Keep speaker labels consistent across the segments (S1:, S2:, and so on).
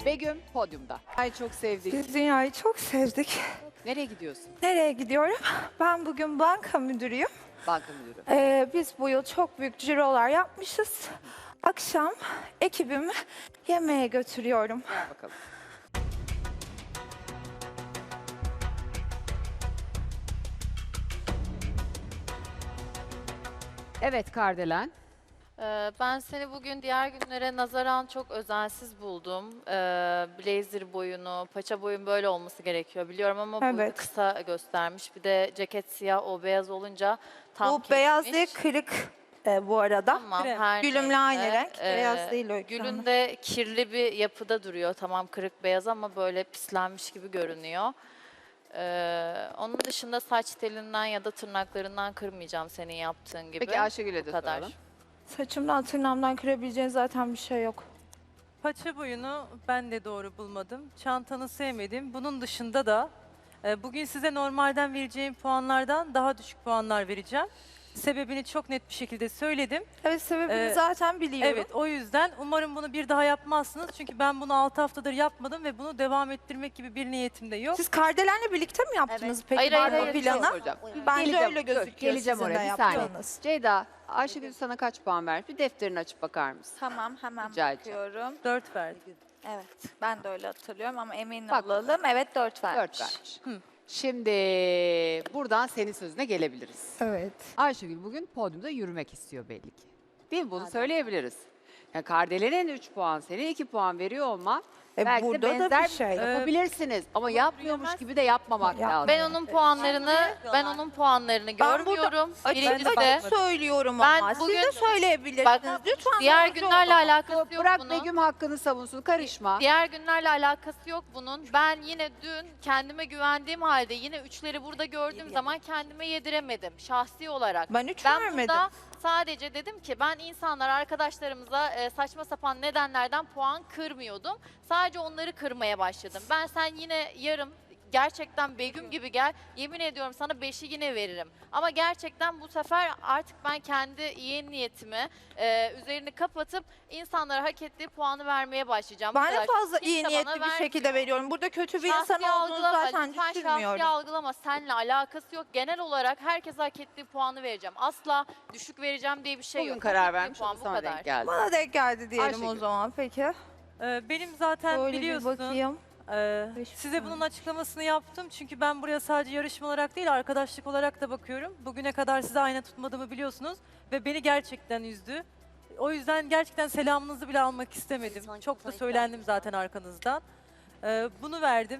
S1: Begüm podyumda. Ay çok sevdik.
S2: Biz dünyayı çok sevdik.
S1: Nereye gidiyorsun?
S2: Nereye gidiyorum? Ben bugün banka müdürüyüm.
S1: Banka müdürü.
S2: Biz bu yıl çok büyük cirolar yapmışız. Akşam ekibimi yemeğe götürüyorum.
S1: Gel bakalım. Evet Kardelen.
S3: Ben seni bugün diğer günlere nazaran çok özensiz buldum. Blazer boyunu, paça boyun böyle olması gerekiyor biliyorum ama boyunu
S2: Evet.
S3: kısa göstermiş. Bir de ceket siyah, o beyaz olunca tam
S2: Bu beyaz
S3: kesmiş.
S2: değil, kırık bu arada.
S3: Tamam, her
S2: Gülümle aynı
S3: neyse.
S2: renk. Beyaz değil o ekranı.
S3: Gülün de kirli bir yapıda duruyor. Tamam kırık beyaz ama böyle pislenmiş gibi görünüyor. Onun dışında saç telinden ya da tırnaklarından kırmayacağım senin yaptığın gibi.
S1: Peki Ayşegül'e de
S3: Bu kadar.
S1: soralım.
S2: Saçımdan tırnağımdan kırabileceğin zaten bir şey yok.
S4: Paça boyunu ben de doğru bulmadım. Çantanı sevmedim. Bunun dışında da bugün size normalden vereceğim puanlardan daha düşük puanlar vereceğim. Sebebini çok net bir şekilde söyledim.
S2: Evet, sebebini
S4: Ee,
S2: zaten biliyorum.
S4: Evet, o yüzden umarım bunu bir daha yapmazsınız. Çünkü ben bunu 6 haftadır yapmadım ve bunu devam ettirmek gibi bir niyetim de yok.
S2: Siz Kardelen'le birlikte mi yaptınız peki
S3: Hayır,
S2: banka
S3: hayır,
S2: planı?
S1: Soracağım.
S2: Bence
S1: Geleceğim,
S2: öyle
S1: dur,
S2: gözüküyor
S1: geleceğim
S2: sizin de
S1: oraya bir saniye.
S2: yaptığınız.
S1: Ceyda, Ayşegül sana kaç puan vermiş? Bir defterini açıp bakar mısın?
S5: Tamam, hemen
S1: Rica edeceğim.
S5: bakıyorum.
S4: 4 verdim.
S5: Evet, ben de öyle hatırlıyorum ama emin
S1: Bak.
S5: olalım. Evet, 4 vermiş.
S1: 4 vermiş. Şimdi buradan senin sözüne gelebiliriz.
S2: Evet.
S1: Ayşegül bugün podyumda yürümek istiyor belli ki. Değil mi? Bunu söyleyebiliriz. Yani Kardelen'in 3 puan, senin 2 puan veriyor olman belki de
S2: Burada da
S1: benzer
S2: bir şey.
S1: yapabilirsiniz. Ama yapmıyormuş gibi de yapmamak
S2: Yapma.
S1: lazım.
S3: Ben onun puanlarını görmüyorum. Birincisi de
S2: Açık
S3: Ben
S2: söylüyorum ama
S3: bugün-
S2: siz de söyleyebilirsiniz.
S3: Bak,
S2: Lütfen
S3: diğer
S2: yardımcı
S3: günlerle
S2: olun.
S3: alakası yok
S1: Bırak
S3: bunun.
S1: Begüm hakkını savunsun, karışma.
S3: Diğer günlerle alakası yok bunun. Ben yine dün kendime güvendiğim halde yine üçleri burada gördüğüm zaman kendime yediremedim şahsi olarak.
S2: Ben 3
S3: Ben
S2: vermedim.
S3: burada sadece dedim ki ben insanlar arkadaşlarımıza saçma sapan nedenlerden puan kırmıyordum. Sadece onları kırmaya başladım. Ben sen yine yarım gerçekten Begüm gibi gel. Yemin ediyorum sana 5'i yine veririm. Ama gerçekten bu sefer artık ben kendi iyi niyetimi üzerini kapatıp insanlara hak ettiği puanı vermeye başlayacağım. Bu
S2: Ben de
S3: kadar.
S2: fazla
S3: Kimse
S2: iyi
S3: bana
S2: niyetli bir
S3: vermiyor.
S2: şekilde veriyorum. Burada kötü bir insan
S3: Şahsi
S2: olduğunu
S3: algılama,
S2: zaten
S3: lütfen
S2: düşünmüyorum.
S3: şahsi algılama. Seninle alakası yok. Genel olarak herkes hak ettiği puanı vereceğim. Asla düşük vereceğim diye bir şey
S1: Bugün
S3: yok.
S1: karar
S3: Hak ettiği
S1: vermiş,
S3: puan
S1: o
S3: bu
S1: sana
S3: kadar.
S1: denk geldi.
S2: Bana denk geldi diyelim o
S1: Ayşegül.
S2: zaman peki.
S4: Benim zaten
S2: Böyle bir
S4: biliyorsun
S2: bakayım. Beş
S4: size
S2: puan.
S4: bunun açıklamasını yaptım. Çünkü ben buraya sadece yarışma olarak değil arkadaşlık olarak da bakıyorum. Bugüne kadar size ayna tutmadığımı biliyorsunuz ve beni gerçekten üzdü. O yüzden gerçekten selamınızı bile almak istemedim. Çok da söylendim zaten arkanızdan. Bunu verdim.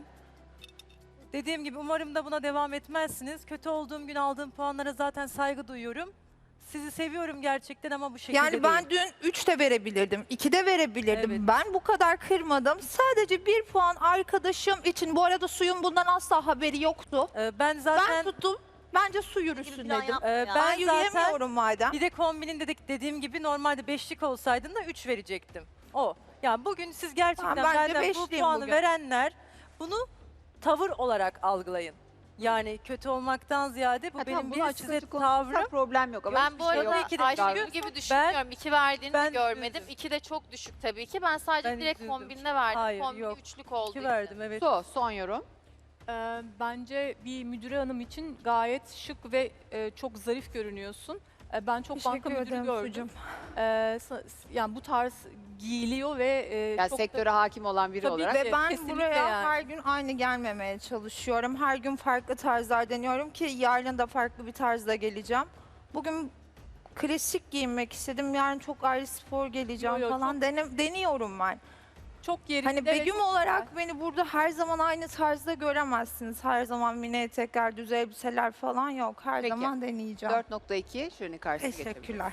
S4: Dediğim gibi umarım da buna devam etmezsiniz. Kötü olduğum gün aldığım puanlara zaten saygı duyuyorum. Sizi seviyorum gerçekten ama bu şekilde
S2: Yani ben
S4: değil.
S2: dün 3 de verebilirdim, 2 de verebilirdim.
S4: Evet.
S2: Ben bu kadar kırmadım. Sadece 1 puan arkadaşım için. Bu arada suyun bundan asla haberi yoktu.
S4: Ben
S2: Ben
S4: zaten
S2: tuttum. Bence su yürüsün dedim.
S4: ben
S2: Ben
S4: zaten
S2: yürüyemiyorum madem.
S4: bir de kombinin dediğim gibi normalde beşlik olsaydın da 3 verecektim. O. Yani bugün siz gerçekten
S2: Tamam, bence
S4: benden bu
S2: beşliyim
S4: puanı
S2: bugün.
S4: verenler bunu tavır olarak algılayın. Yani kötü olmaktan ziyade bu
S1: Ha,
S4: benim
S1: tamam, bunu
S4: bir
S1: açık
S4: size
S1: açık konuşursak
S4: tavrım.
S1: problem yok. Ama
S3: Ben
S1: hiçbir
S3: bu
S1: şey
S3: arada
S1: yok.
S4: iki de
S3: Ayşegül
S4: ben-
S3: gibi düşünmüyorum. 2 verdiğini
S4: ben
S3: de görmedim.
S4: üzüldüm.
S3: 2 de çok düşük tabii ki. Ben sadece
S4: Ben
S3: direkt
S4: üzüldüm.
S3: kombinine verdim.
S4: Hayır,
S3: Kombin
S4: yok.
S3: üçlük oldu.
S4: 2 verdim evet.
S1: Son yorum.
S6: Bence bir müdüre hanım için gayet şık ve çok zarif görünüyorsun. Ben çok banka
S2: Teşekkür
S6: müdürü
S2: ederim
S6: gördüm.
S2: sucum.
S6: Yani bu tarz giyiliyor ve
S1: Yani
S6: çok
S1: sektöre hakim olan biri
S6: Tabii
S1: olarak.
S6: ve
S2: Ve ben
S6: kesinlikle
S2: buraya
S6: yani.
S2: her gün aynı gelmemeye çalışıyorum. Her gün farklı tarzlar deniyorum ki yarın da farklı bir tarzda geleceğim. Bugün klasik giyinmek istedim. Yarın çok ayrı spor geleceğim
S6: Yo, yo,
S2: falan. Deniyorum ben.
S6: çok yerinde.
S2: Hani
S6: ve
S2: Begüm
S6: çok
S2: olarak
S6: güzel.
S2: beni burada her zaman aynı tarzda göremezsiniz. Her zaman mini etekler, düz elbiseler falan yok. Her
S1: Peki.
S2: zaman deneyeceğim.
S1: 4.2 şunun karşısına geçebiliriz.
S2: Teşekkürler.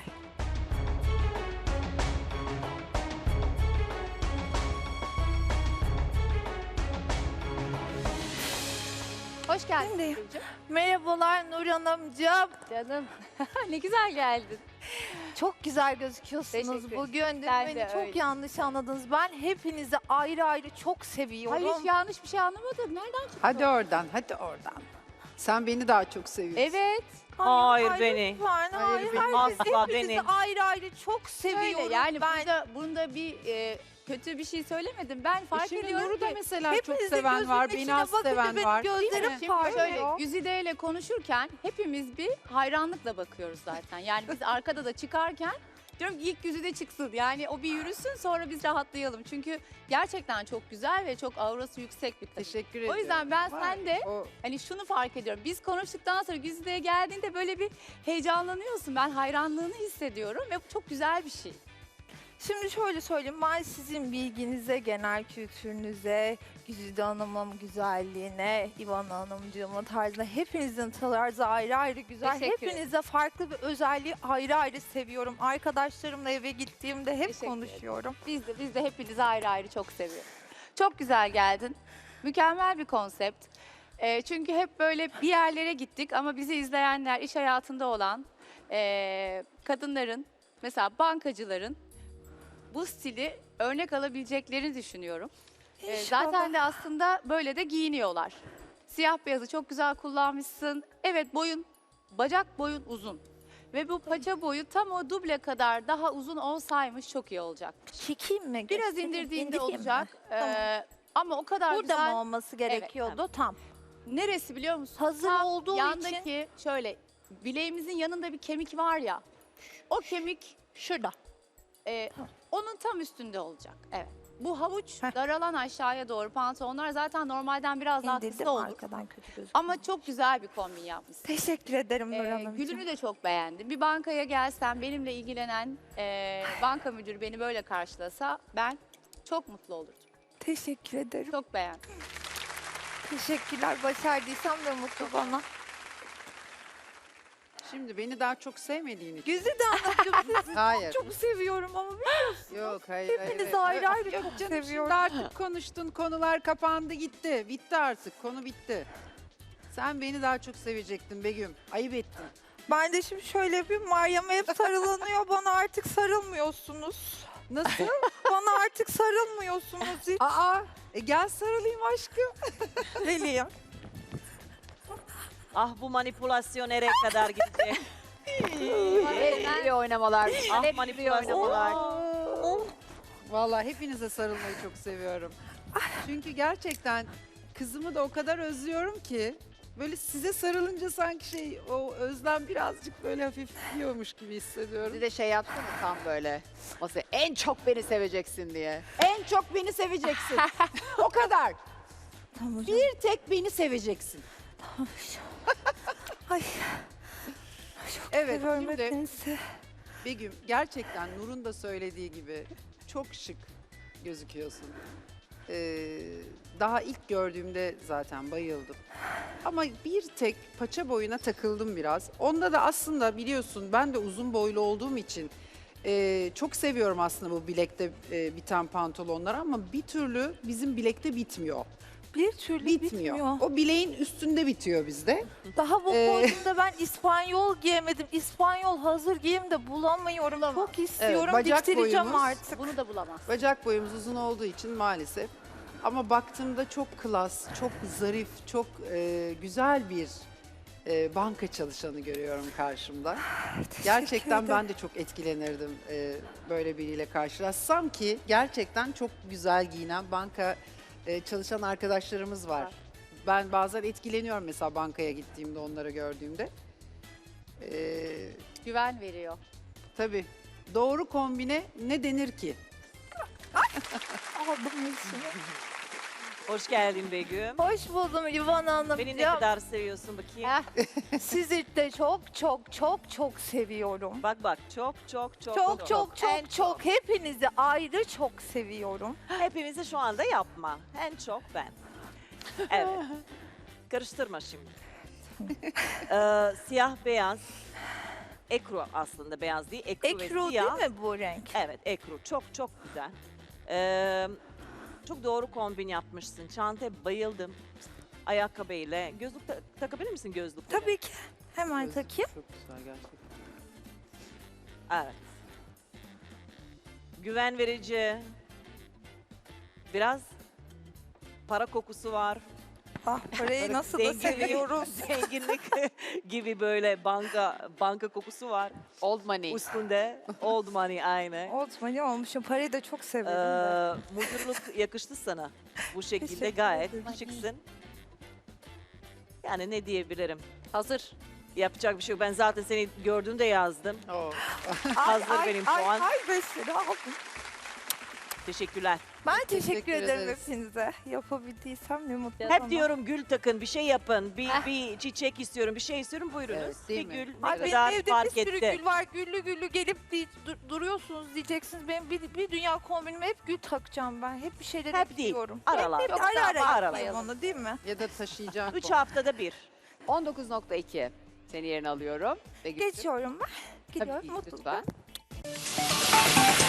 S1: Hoş geldin.
S2: Şimdi-
S1: Begüm'cüğüm.
S2: Merhabalar Nur Hanımcığım.
S7: Canım ne güzel geldin.
S2: Çok güzel gözüküyorsunuz
S7: Teşekkür
S2: bugün. Dün
S7: Sen
S2: beni
S7: de
S2: çok
S7: öyle.
S2: yanlış anladınız. Ben hepinizi ayrı ayrı çok seviyorum.
S7: Hayır hiç yanlış bir şey anlamadım. Nereden çıktı?
S8: Hadi oradan, hadi oradan. Sen beni daha çok seviyorsun.
S7: Evet.
S2: Hayır,
S9: Hayır, beni.
S2: Lütfen, hayır,
S8: beni.
S2: herkes,
S9: Asla
S2: hepinizi
S9: beni.
S2: ayrı ayrı çok seviyorum.
S7: Öyle yani
S2: ben.
S7: bunda bir kötü bir şey söylemedim. Ben fark
S8: Şimdi
S7: ediyorum
S8: Nur'u da
S7: ki
S8: mesela çok
S2: hepinizin
S8: seven var,
S2: gözünün
S8: beni az
S2: içine bakınca
S8: seven
S2: benim
S8: var.
S2: gözlerim
S7: Şimdi
S2: parlıyor.
S7: şöyle Güzide ile konuşurken hepimiz bir hayranlıkla bakıyoruz zaten. Yani biz arkada da çıkarken diyorum ki ilk Güzide çıksın. Yani o bir yürüsün sonra biz rahatlayalım. Çünkü gerçekten çok güzel ve çok aurası yüksek bir takım.
S8: Teşekkür ederim.
S7: O yüzden ben
S8: Var.
S7: sende
S8: O
S7: hani şunu fark ediyorum. Biz konuştuktan sonra Güzide'ye geldiğinde böyle bir heyecanlanıyorsun. Ben hayranlığını hissediyorum ve bu çok güzel bir şey.
S2: Şimdi şöyle söyleyeyim, ben sizin bilginize, genel kültürünüze, Güzide Hanım'ın güzelliğine, İvan Hanımcığımın tarzına, hepinizin tarzı ayrı ayrı güzel.
S7: Teşekkür ederim.
S2: Hepinize farklı bir özelliği ayrı ayrı seviyorum. Arkadaşlarımla eve gittiğimde hep
S7: Teşekkür
S2: konuşuyorum.
S7: Biz de hepinizi ayrı ayrı çok seviyoruz. Çok güzel geldin. Mükemmel bir konsept. Çünkü hep böyle bir yerlere gittik ama bizi izleyenler, iş hayatında olan kadınların, mesela bankacıların bu stili örnek alabileceklerini düşünüyorum.
S2: İnşallah.
S7: Zaten de aslında böyle de giyiniyorlar. Siyah beyazı çok güzel kullanmışsın. Evet bacak boyun uzun. Ve bu paça boyu tam o duble kadar daha uzun olsaymış çok iyi olacak.
S2: Çekeyim mi?
S7: Biraz
S2: Göstereyim,
S7: indirdiğinde
S2: indireyim mi?
S7: olacak.
S2: Tamam.
S7: Ama o kadar
S2: Burada
S7: güzel.
S2: mı olması gerekiyordu? Tam.
S7: Neresi biliyor musun?
S2: Hazır
S7: Tam
S2: olduğu
S7: yandaki
S2: için.
S7: şöyle bileğimizin yanında bir kemik var ya. O kemik
S2: Şurada.
S7: onun tam üstünde olacak. Evet. Bu havuç
S2: Heh.
S7: daralan aşağıya doğru pantolonlar zaten normalden biraz daha
S2: İndirdim
S7: kısa olur.
S2: arkadan kötü gözüküyor.
S7: Ama çok güzel bir kombin yapmışsın.
S2: Teşekkür ederim Nur Hanımcığım.
S7: Gülünü de çok beğendim. Bir bankaya gelsem benimle ilgilenen banka müdürü beni böyle karşılasa ben çok mutlu olurdum.
S2: Teşekkür ederim.
S7: Çok beğendim.
S2: Teşekkürler. Başardıysam da mutlu bana.
S8: şimdi beni daha çok sevmediğin için.
S2: Güzide Hanımcığım sizi
S8: Hayır.
S2: çok seviyorum ama
S8: Yok hayır.
S2: hepinizi
S8: hayır.
S2: ayrı ayrı
S8: Yok
S2: çok
S8: canım,
S2: seviyorum.
S8: Şimdi artık konuştun, konular kapandı gitti. Bitti artık, konu bitti. Sen beni daha çok sevecektin Begüm. Ayıp ettin.
S2: Ben de şimdi şöyle yapayım. Meryem'e hep sarılanıyor. Bana artık sarılmıyorsunuz.
S8: Nasıl?
S2: Bana artık sarılmıyorsunuz hiç.
S8: Aa, gel sarılayım aşkım.
S2: Geleyim.
S9: Ah bu manipülasyon nereye kadar gitti?
S1: Hep iyi oynamalar.
S9: Ah
S1: Hep iyi
S9: manipülasyon.
S1: oynamalar.
S8: Vallahi hepinize sarılmayı çok seviyorum. Çünkü gerçekten kızımı da o kadar özlüyorum ki böyle size sarılınca sanki o özlem birazcık böyle hafifliyormuş gibi hissediyorum.
S1: Bir de şey yapsana tam böyle. Masaya en çok beni seveceksin diye. En çok beni seveceksin. O kadar.
S2: Tamam hocam.
S1: Bir tek beni seveceksin.
S2: Ay.
S8: Evet
S2: Seviyorum
S8: şimdi
S2: hepinizi.
S8: Begüm gerçekten Nur'un da söylediği gibi çok şık gözüküyorsun. Daha ilk gördüğümde zaten bayıldım. Ama bir tek paça boyuna takıldım biraz. Onda da aslında biliyorsun ben de uzun boylu olduğum için çok seviyorum aslında bu bilekte biten pantolonlar ama bir türlü bizim bilekte bitmiyor.
S2: Bir türlü bitmiyor.
S8: O bileğin üstünde bitiyor bizde.
S2: Daha bu podyumda ben İspanyol giyemedim. İspanyol hazır giyim de bulamıyorum. Çok istiyorum.
S8: bacak
S2: Diktireceğim
S8: boyumuz-
S2: artık.
S7: Bunu da bulamaz.
S8: Bacak boyumuz uzun olduğu için maalesef. Ama baktığımda çok klas, çok zarif, çok güzel bir banka çalışanı görüyorum karşımda. Gerçekten ben de çok etkilenirdim böyle biriyle karşılaşsam ki gerçekten çok güzel giyinen banka çalışan arkadaşlarımız var. Ben bazen etkileniyorum mesela bankaya gittiğimde onları gördüğümde.
S7: Güven veriyor.
S8: Tabii doğru kombine ne denir ki?
S2: Aldım yüzünü.
S9: Hoş geldin Begüm.
S2: Hoş buldum İvan Hanım.
S9: Beni ne
S2: Ya,
S9: kadar seviyorsun bakayım.
S2: sizi de çok seviyorum.
S9: Bak bak çok çok çok
S2: Çok çok hepinizi ayrı çok seviyorum.
S9: Hepimizi şu anda yapma. En çok ben. Evet. Karıştırma şimdi. Siyah beyaz. Ekru aslında beyaz değil. Ekru, ve
S2: Ekru
S9: siyah.
S2: değil mi bu renk?
S9: Evet ekru çok çok güzel. Çok doğru kombin yapmışsın. Çantaya bayıldım. Ayakkabıyla. Gözlük takabilir misin gözlük?
S2: Tabii ki. Hemen takayım.
S8: Çok güzel gerçekten.
S9: Evet. Güven verici. Biraz para kokusu var.
S2: Ah, parayı nasıl da seviyoruz.
S9: Zenginlik gibi böyle banka kokusu var
S1: Old money.
S9: üstünde. Old money aynı.
S2: Old money olmuşum. Parayı da çok severim de.
S9: Mutluluk yakıştı sana. Bu şekilde
S2: Teşekkür
S9: gayet
S2: ederim.
S9: şıksın. Yani ne diyebilirim?
S7: Hazır.
S9: Yapacak bir şey yok. Ben zaten seni gördüğümde yazdım.
S8: Oo.
S9: Hazır benim puan.
S2: Ay Vesile aldım.
S9: Teşekkürler.
S2: Ben
S8: Teşekkür
S2: teşekkür ederim
S8: ederiz.
S2: hepinize. Yapabildiysem ne mutlu
S9: Hep
S2: bana.
S9: diyorum gül takın, bir şey yapın. Bir çiçek istiyorum, bir şey istiyorum. Buyurunuz.
S8: Evet, değil
S9: bir
S8: mi?
S9: gül ne
S2: Ay benim
S9: kadar
S2: evde bir
S9: fark
S2: sürü
S9: etti.
S2: gül var. Güllü güllü gelip duruyorsunuz diyeceksiniz. Benim bir dünya kombinime hep gül takacağım ben. Hep bir şeyler
S9: Hep değil,
S2: ekliyorum.
S9: aralar.
S2: Hep
S7: Çok
S2: ara
S7: güzel,
S2: ara
S9: aralar.
S2: yapayım onu değil mi?
S8: Ya da taşıyacak.
S9: 3 haftada bir.
S1: 19.2 seni yerine alıyorum. Ve
S2: Geçiyorum ben. Gidiyorum
S1: Tabii ki,
S2: mutlulukla.
S1: lütfen.